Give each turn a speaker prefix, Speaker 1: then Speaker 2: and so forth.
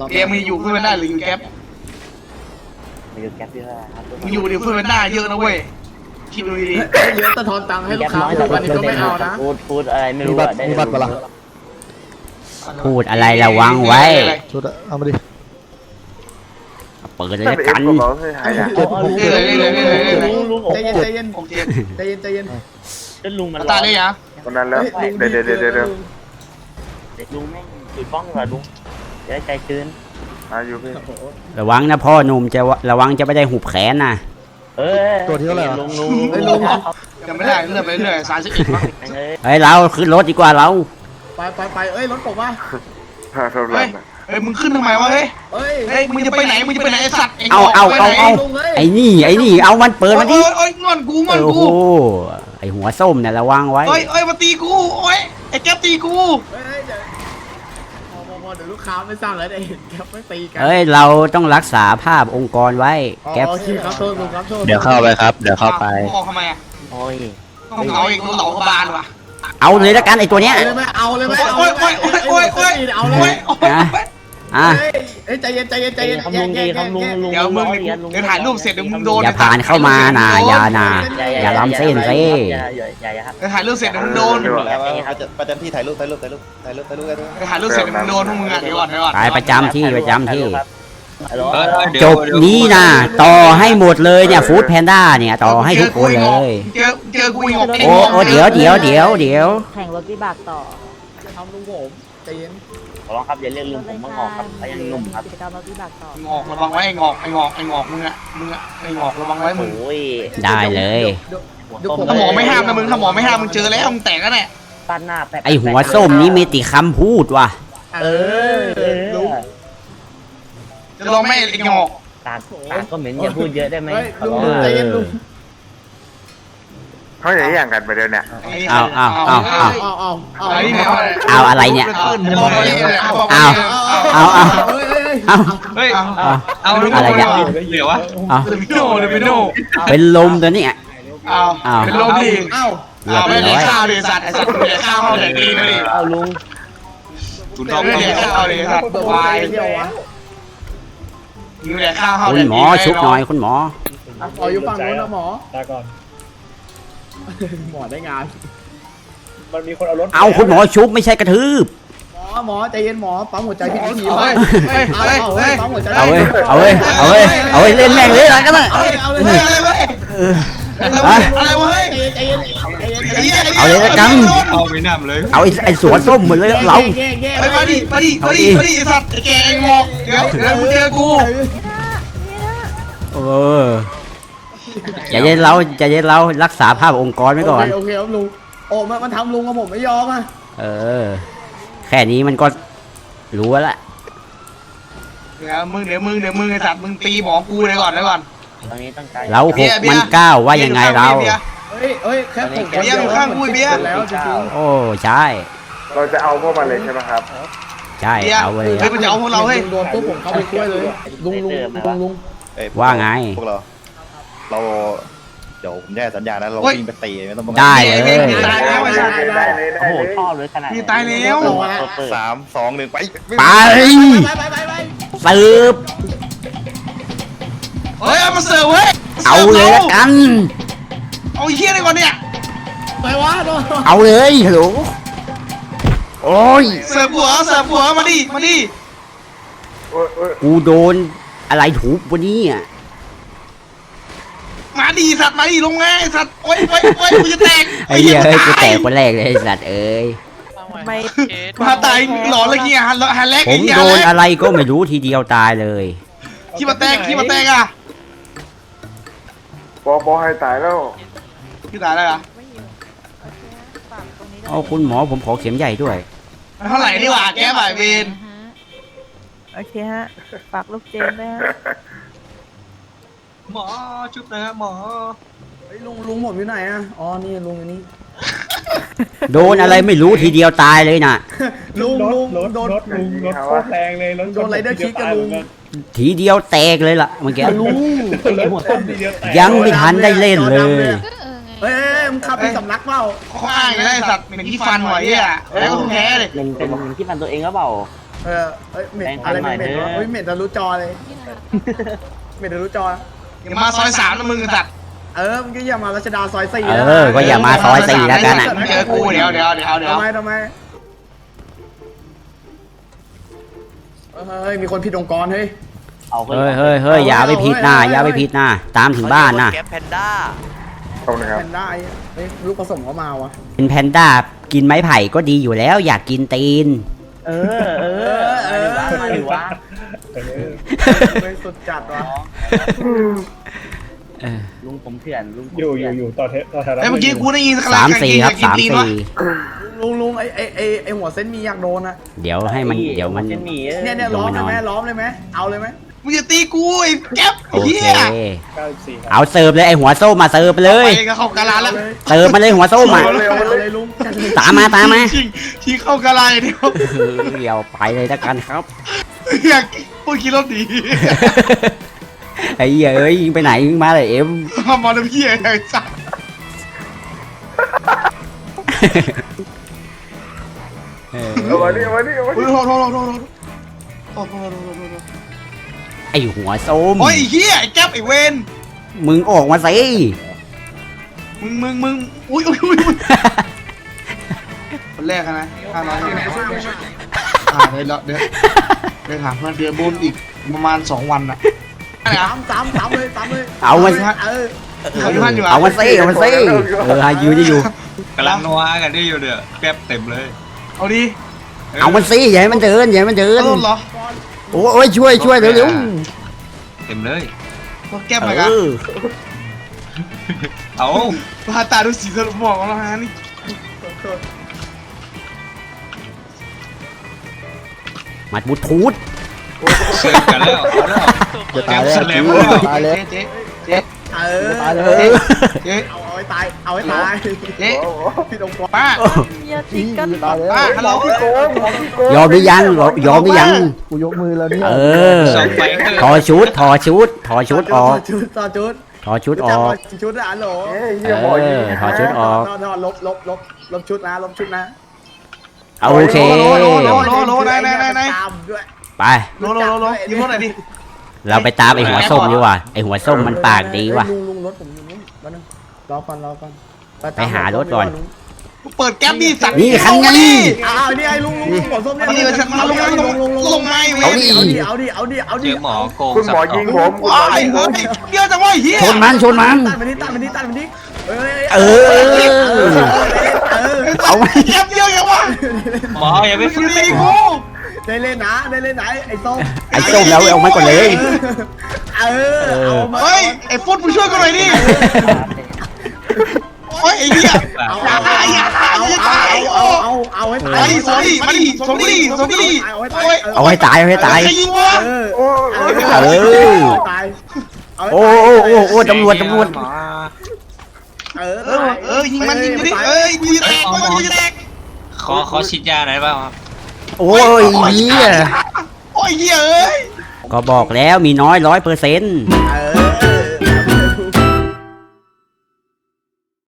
Speaker 1: เกมมึงอยู่เพื่อนได้หรืออยู่แก๊ป
Speaker 2: มาอยู่แก๊ปที่ว่าครับ
Speaker 1: มึงอยู่เพื่อนได้เยอะนะเว้ยคิดดูดี
Speaker 3: เยอะตะทอนตังค์ให้ลูกค้าอยู่วันนี้ก็ไม่เอานะ
Speaker 2: พูดอะไรไม่รู้อะได้
Speaker 4: มีบัตรปะล่ะ
Speaker 5: พูดอะไรระวังไว้
Speaker 4: ชุดเอามาดิ
Speaker 5: เปิดเลยละกัน
Speaker 2: ลุง
Speaker 3: ใจเย็นใจเย็น
Speaker 1: โอเค
Speaker 3: ใจเย็นใจเย็น
Speaker 2: จนลุงมัน
Speaker 1: ตาเลยอ่ะ
Speaker 6: คนนั้นแล้วเดี๋ยว
Speaker 2: ลุงแม่งจุดบ้องเหรอลุงจะได้ใจชื้น
Speaker 6: มาอยู่พี่
Speaker 5: ระวังนะพ่อหนุ่มจะระวังจะไม่ได้หุบแขนนะ
Speaker 2: ลุง
Speaker 1: ยังไม่ได้เรื่อยไปเรื่อย31มั้ง
Speaker 5: เฮ้ยเราขึ้นรถดีกว่าเรา
Speaker 3: ไปเอ้ยรถผมว่า
Speaker 6: เท่าไหร่
Speaker 1: เฮ้ยมึงขึ้นทำไมวะเฮ้ย
Speaker 3: เอ้ย
Speaker 1: เฮ้ยมึงจะไปไหนมึงจะไปไหนไอ้สัตว์
Speaker 5: เอาไอ้นี่เอามันเปิดมาดิ
Speaker 1: โอ้ยงอนกูงอน
Speaker 5: โอ้
Speaker 1: กู
Speaker 5: โหไอ้หัวส้มเนี่ยระวังไว้
Speaker 1: โอ้ยมาตีกูโอ้ยไอ้แก๊ปตีกู
Speaker 3: เฮ้ยเดี๋ยวพอเดี๋ยวลูกค้าไม่สร้างแล้วได้เห็นแก๊ปไม่ตีกัน
Speaker 5: เฮ้ยเราต้องรักษาภาพองค์กรไว้แก๊ป
Speaker 3: โอเคครับโทษลุงครับโทษ
Speaker 4: เดี๋ยวเข้าไปครับ เดี๋ยวเข้าไป
Speaker 1: ออกทำไมอ่ะ
Speaker 2: โอ้ย
Speaker 1: ต้องเอาอีกต้องเหลาเขาบานว่ะ
Speaker 5: เอาเลยละกันไอ้ตัวเนี้ย
Speaker 3: เอาเลยไหม
Speaker 1: โอ้ย
Speaker 3: เอาเลย
Speaker 5: อ่ะ
Speaker 3: เฮ้ยใจเย็นใจเย็นใจเย็น
Speaker 2: คำลุงดีคำลุงลุง
Speaker 1: เดี๋ยวมึงเดี๋ยวถ่ายรูปเสร็จเดี๋ยวมึงโดน
Speaker 5: อย่าผ่านเข้ามานะอย่าล้ำเส้นสิ
Speaker 2: อย่าครับ
Speaker 1: เดี๋ยวถ่ายรูปเสร็จเดี๋ยวมึงโดน
Speaker 4: ประจำที่ถ่ายรูปกันด้วย
Speaker 1: เดี๋ยวถ่ายรูปเสร็จเดี๋ยวมึงโดนพวกมึงอ่ะเดี๋ยวก่อน
Speaker 5: ไปประจำที่
Speaker 2: จ
Speaker 5: จ
Speaker 2: บบ
Speaker 5: นี้นะต่อให้หมดเลยเนี่ยฟู้ดแพนด้าเนี่ยต่อให้ทุกคนเลย
Speaker 1: เจอกูอีก
Speaker 5: โอ้เดี๋ยว
Speaker 7: แข่งรถวิบากต่อ
Speaker 3: ทำลุงผมใจเย็น
Speaker 2: ขอร้องครับอย่าเรียกลุงผมว่างอกครับเขายังหนุ่มครับ
Speaker 7: กิจกรรมรถวิบากต่อง
Speaker 1: อกระวังไว้ไอ้งอกมึงอ่ะไอ้งอกระวังไว้มึง
Speaker 2: โอ้ย
Speaker 5: ได้เลย
Speaker 1: ถ้าหมอไม่ห้ามนะมึงถ้าหมอไม่ห้ามมึงเจอแล้วมึงแตกแล้วเนี่ย
Speaker 2: ปั้นหน้าแป๊บ
Speaker 5: ไอหัวส้มนี้มีติคำพูดว่ะ
Speaker 3: ลุง
Speaker 1: จะลองไม่ไอ้งอก
Speaker 2: ตาก็เหม็นอย่าพูดเยอะได้ไหม
Speaker 3: เฮ้ยลุงใจเย็นลุง
Speaker 6: เขาอย่างอย่างกันไปเดี๋ยวเนี่ย
Speaker 5: เอาอะไรเนี่ยเอา
Speaker 1: เฮ้ยเอา
Speaker 5: อะไรเนี่ย
Speaker 1: เหลือวะ
Speaker 5: เอา
Speaker 1: เลมิโน่
Speaker 5: เป็นลมตัวเนี้ย
Speaker 1: เอาเป็นลมดิเอาไม่ได้ข้าวดิสัตว์ไอ้สัตว์ไม่ได้ข้าวเขาแดกดีนะดิ
Speaker 2: เอาลุง
Speaker 1: ถุนทองไม่ได้ข้าวเลยสัตว์วายมึงแดกข้าวเขา
Speaker 5: คุณหมอชุบหน่อยคุณหมอ
Speaker 3: ขออยู่ฝั่งนู้นนะหมอหมอได้งาน
Speaker 5: เอาคุณหมอชุบไม่ใช่กระทืบ
Speaker 3: หมอใจเย็นหมอปั๊มหัวใจพี่ที
Speaker 1: เฮ้ย
Speaker 3: ปั๊มหัวใจ
Speaker 5: เอาเว้ยเล่นแม่งเลยอะไรกันเลย
Speaker 3: เอาเลย
Speaker 1: อะไรวะเฮ้ย
Speaker 3: ใจเย็น
Speaker 5: เอาเลยละกัน
Speaker 1: เอาไม่นำเลย
Speaker 5: เอาไอ้สวนส้มหมดเลยเรา
Speaker 1: มาดิสัตว์แกงงอกเดี๋ยวมึงเจอกู
Speaker 5: ใจเย็นเรารักษาภาพองค์กรไว้ก่อน
Speaker 3: โอเคครับลุงโอ้มันทำลุงกับผมไม่ยอมอ่ะ
Speaker 5: แค่นี้มันก็รู้แล้ว
Speaker 1: เดี๋ยวมึงไอ้สัตว์มึงตีหมอกูเลยก่อน
Speaker 2: ตอนนี้ตั้งใจ
Speaker 5: เรา6มัน9ว่ายังไงเรา
Speaker 3: เฮ้ยแค่ผม
Speaker 1: เบียร์อยู่ข้างกูเบียร์
Speaker 3: แล้วจริง
Speaker 5: โอ้ใช่
Speaker 6: เราจะเอาพวกมันเลยใช่ไหมครับ
Speaker 5: ใช่เอาเลย
Speaker 1: เฮ้ยมันจะเอาพวกเราเฮ้ย
Speaker 3: โดนปุ๊บผมเข้าไปช่วยเลยลุง
Speaker 5: ว่าไง
Speaker 4: พวกเราเดี๋ยวผมแย่สัญญานะเราวิ่งไปตีไม่ต้อง
Speaker 5: ได้เลย
Speaker 1: ตายแล้วไอ้สัตว์
Speaker 2: โอ้โหชอบเลยขนาด
Speaker 1: พี่ตายแล้ว
Speaker 4: 3 2 1ไป
Speaker 5: ไปสืบ
Speaker 1: เฮ้ยเอามาเสิร์ฟเฮ้ย
Speaker 5: เอาเลยละกัน
Speaker 1: เอาไอ้เหี้ยอะไรก่อนเนี่ย
Speaker 3: ไปวะโดน
Speaker 5: เอาเลยฮัลโหลโอ้ย
Speaker 1: เสิร์ฟหัวมาดิ
Speaker 5: กูโดนอะไรถูกวันนี้อ่ะ
Speaker 1: มาดิสัตว์มาดิลงไงสัตว์โอ้ยกูจะแตก
Speaker 5: ไอ้เหี้ยเฮ้ยกูแตกคนแรกเลยไอ้สัตว์เอ้ย
Speaker 7: ไม่
Speaker 1: มาตายหลอนเลยเงี้ยฮันแรก
Speaker 5: ผ
Speaker 1: ไอ้
Speaker 5: ม
Speaker 1: เหี้ย
Speaker 5: โดนอะไรก็ไม่รู้ทีเดียวตายเลย
Speaker 1: ขี้มาแตกอ่ะ
Speaker 6: ปอให้ตายแล้ว
Speaker 1: ขี้ตายแล้วอ่ะ
Speaker 5: เอาคุณหมอผมขอเข็มใหญ่ด้วย
Speaker 1: เท่าไหร่ดีกว่าแกบ่ายเวร
Speaker 7: โอเคฮะฝากลูกเจนด้วยฮะ
Speaker 1: หมอชุบนะหมอ
Speaker 3: ลุงผมอยู่ไหนอ่ะอ๋อนี่ลุงอยู่นี่
Speaker 5: โดนอะไรไม่รู้ทีเดียวตายเลยน่ะ
Speaker 3: ลุงโดน
Speaker 6: รถโคตรแรง
Speaker 3: โดนไรเดอร์คิกกับลุง
Speaker 5: ทีเดียวแตกเลยล่ะเมื่อกี้
Speaker 3: ลุง
Speaker 5: ยังไม่ทันได้เล่นเลย
Speaker 3: เฮ้ยมึงขับไปสำนักเปล่า
Speaker 1: เขาอ้างไงได้สัตว์เป็นที่ฟันหน่อยอ่ะแล้วก็แพ้เลย
Speaker 2: เป็นที่ฟันตัวเองหรือเปล่า
Speaker 3: เอ้ยเหม็นอะไรเหม็นวะเฮ้ยเหม็นทะลุจอเลยเหม็นทะลุจอ
Speaker 1: อย่ามาซอย3นะมึงสัตว์
Speaker 3: มึงก็อย่ามารัชดาซอย4
Speaker 5: ก็อย่ามาซอย4แล้วกันอ่ะ
Speaker 1: เจอกูเดี๋ยว
Speaker 3: ทำไมเฮ้ยมีคนผิดองค์กรเฮ้ย
Speaker 2: เอาไป
Speaker 5: เฮ้ยอย่าไปผิดนะอย่าไปผิดนะตามถึงบ้านนะ
Speaker 2: แก๊ปแพนด้า
Speaker 6: ขอบคุณครับ
Speaker 3: แพนด้าเฮ้ยลูกผสมเขามาวะ
Speaker 5: เป็นแพนด้ากินไม้ไผ่ก็ดีอยู่แล้วอยากกินตีน
Speaker 2: มาหรือวะ
Speaker 3: เฮ้ยสุดจัดวะ
Speaker 2: ลุงผมเถื่อนลุง
Speaker 6: อยู่ต่อแถว
Speaker 1: เมื่อกี้กูได้ยิน
Speaker 5: 3-4 ครับ
Speaker 3: ลุงไอหัวเส้นมีอยากโดนอะ
Speaker 5: 3-4 เดี๋ยวให้มันเดี๋ยวมัน
Speaker 2: จะหนี
Speaker 3: เนี่ยล้อมเลยไหมล้อมเลยไหมเอาเลยไหม
Speaker 1: มึงจะตีกูไอ้แก๊ป
Speaker 5: โอ
Speaker 1: เฮี
Speaker 5: เค
Speaker 1: ย
Speaker 5: เอาเสิร์ฟเลยไอหัวส้มมาเสิร์ฟไปเลย
Speaker 1: ไปก็เข้ากะลาแล้ว
Speaker 5: เสิร์ฟมาเลยหัวส้มอ่ะ
Speaker 3: เอาเลยลุง
Speaker 5: ตามมา
Speaker 1: ที่เข้ากะลาเดียว
Speaker 5: เดี๋ยวไปเลยละกันครับ
Speaker 1: อยากพูดคิดรถดี
Speaker 5: ไอ้เหี้ยเอ้ยยิงไปไหนยิงมาเลยเอ็ม
Speaker 1: มาแล้วพี่ไอ้สัตว์
Speaker 6: วันนี้
Speaker 5: ไอหัวส้ม
Speaker 1: โอ้ยเฮียไอ้แก๊ปไอ้เวน
Speaker 5: มึงออกมาสิ
Speaker 1: มึงอุ้ยคนแรกนะ500เดี๋ยวถามเพื่อนเดือนบุญอีกประมาณ2 วันนะ
Speaker 3: สามเลย
Speaker 5: เอามา เอามาสิอยู่
Speaker 8: กำลังนัวกันได้อยู่เด้อแป๊บเต็มเลย
Speaker 1: เอาดิ
Speaker 5: เอามันสิอย่าให้มันเดินอย่าให้มันเดิน
Speaker 1: ต้นเหรอ
Speaker 5: โอ้ยช่วยเร็ว
Speaker 8: เต็มเลย
Speaker 1: พวกแก๊ป
Speaker 5: ๆ
Speaker 1: อะไรกัน
Speaker 8: เอา
Speaker 1: พาตาดูสีสรุปหมอกแล้วฮะนี่
Speaker 5: มัดบูทูธ
Speaker 8: เชื่อกันแล้วเอาแล้ว
Speaker 4: จะตายแล้ว
Speaker 8: แสลม
Speaker 4: ตายแล้ว
Speaker 1: เจ๊
Speaker 4: ตายแล้ว
Speaker 1: เจ๊
Speaker 3: เอาให้ตาย
Speaker 1: เจ๊
Speaker 3: ผิดองค์กร
Speaker 1: ป้า
Speaker 7: อย่าตีกัน
Speaker 4: ตายแล้ว
Speaker 1: ป้าฮัลโหล
Speaker 5: ยอมหรือยังยอมหรือยัง
Speaker 4: กูยกมือแล้วเนี่ย
Speaker 8: ส่งไปเถ
Speaker 5: ถอ
Speaker 8: อะ
Speaker 5: ดชุดออก
Speaker 3: ต่อชุด
Speaker 5: ถอดชุดออก
Speaker 3: ชุดนะฮัลโหล
Speaker 5: ถอดชุดออก
Speaker 3: ลบชุดนะ
Speaker 5: โอเค
Speaker 1: โลไหน
Speaker 3: ตามด้วย
Speaker 5: ไป
Speaker 1: โลยิ้มรถหน่อยดิ
Speaker 5: เราไปตามไอหัวส้มดีกว่าไอหัวส้มมันปากดีว่ะ
Speaker 3: ลุงรถผมอยู่นู้นมาหนึ่งรอก่อน
Speaker 5: ไปหารถก่อน
Speaker 1: เปิดแก๊ปดิสัตว์
Speaker 5: นี่คันไง
Speaker 3: นี่ไอ้ลุงหัวส้มเนี่ย
Speaker 1: นี่ฉันมาลงไม้เว้
Speaker 5: เอา
Speaker 1: ย
Speaker 5: ดิ
Speaker 3: เอาดิ
Speaker 8: เจอหมอโกง
Speaker 6: คุณหมอยิงผม
Speaker 1: ไอ้เฮ้ยเยอะจังวะเฮีย
Speaker 5: ชนมัน
Speaker 3: ตัดมันดิ
Speaker 5: เอาไว้
Speaker 1: แก๊ปเยอะจังวะ
Speaker 8: หมออย่าไป
Speaker 1: มึ
Speaker 8: ฟื้
Speaker 1: ง
Speaker 8: น
Speaker 1: ตี
Speaker 8: หม
Speaker 1: กู
Speaker 8: อ
Speaker 3: ได้เล่นนะไอ้ส้ม
Speaker 5: ไอส้มแล้วเอามันก่อนเลย
Speaker 3: เอามา
Speaker 1: เฮ้ยไอ้ฟุตมึงช่วยกูหน่อยดิโอ้ยไอ้เหี้ยอย่าตาย
Speaker 3: เอาให้ตาย
Speaker 1: ไอ้ส่งดิมาดิส่งดิโอ้ย
Speaker 5: เอาให้ตาย
Speaker 1: ใครยิงวะ
Speaker 3: ตาย
Speaker 5: โอ้ตำรวจ
Speaker 1: ยิงมันยิงดิเอ้ยกูจะแตกกูจะแตก
Speaker 8: ขอฉีดยาหน่อยได้ป่าวครับ
Speaker 5: โอ้ยเหี้ย
Speaker 1: โอ้ยเหี้ยเอ้ย
Speaker 5: ก็บอกแล้วมีน้อย100%
Speaker 3: เออ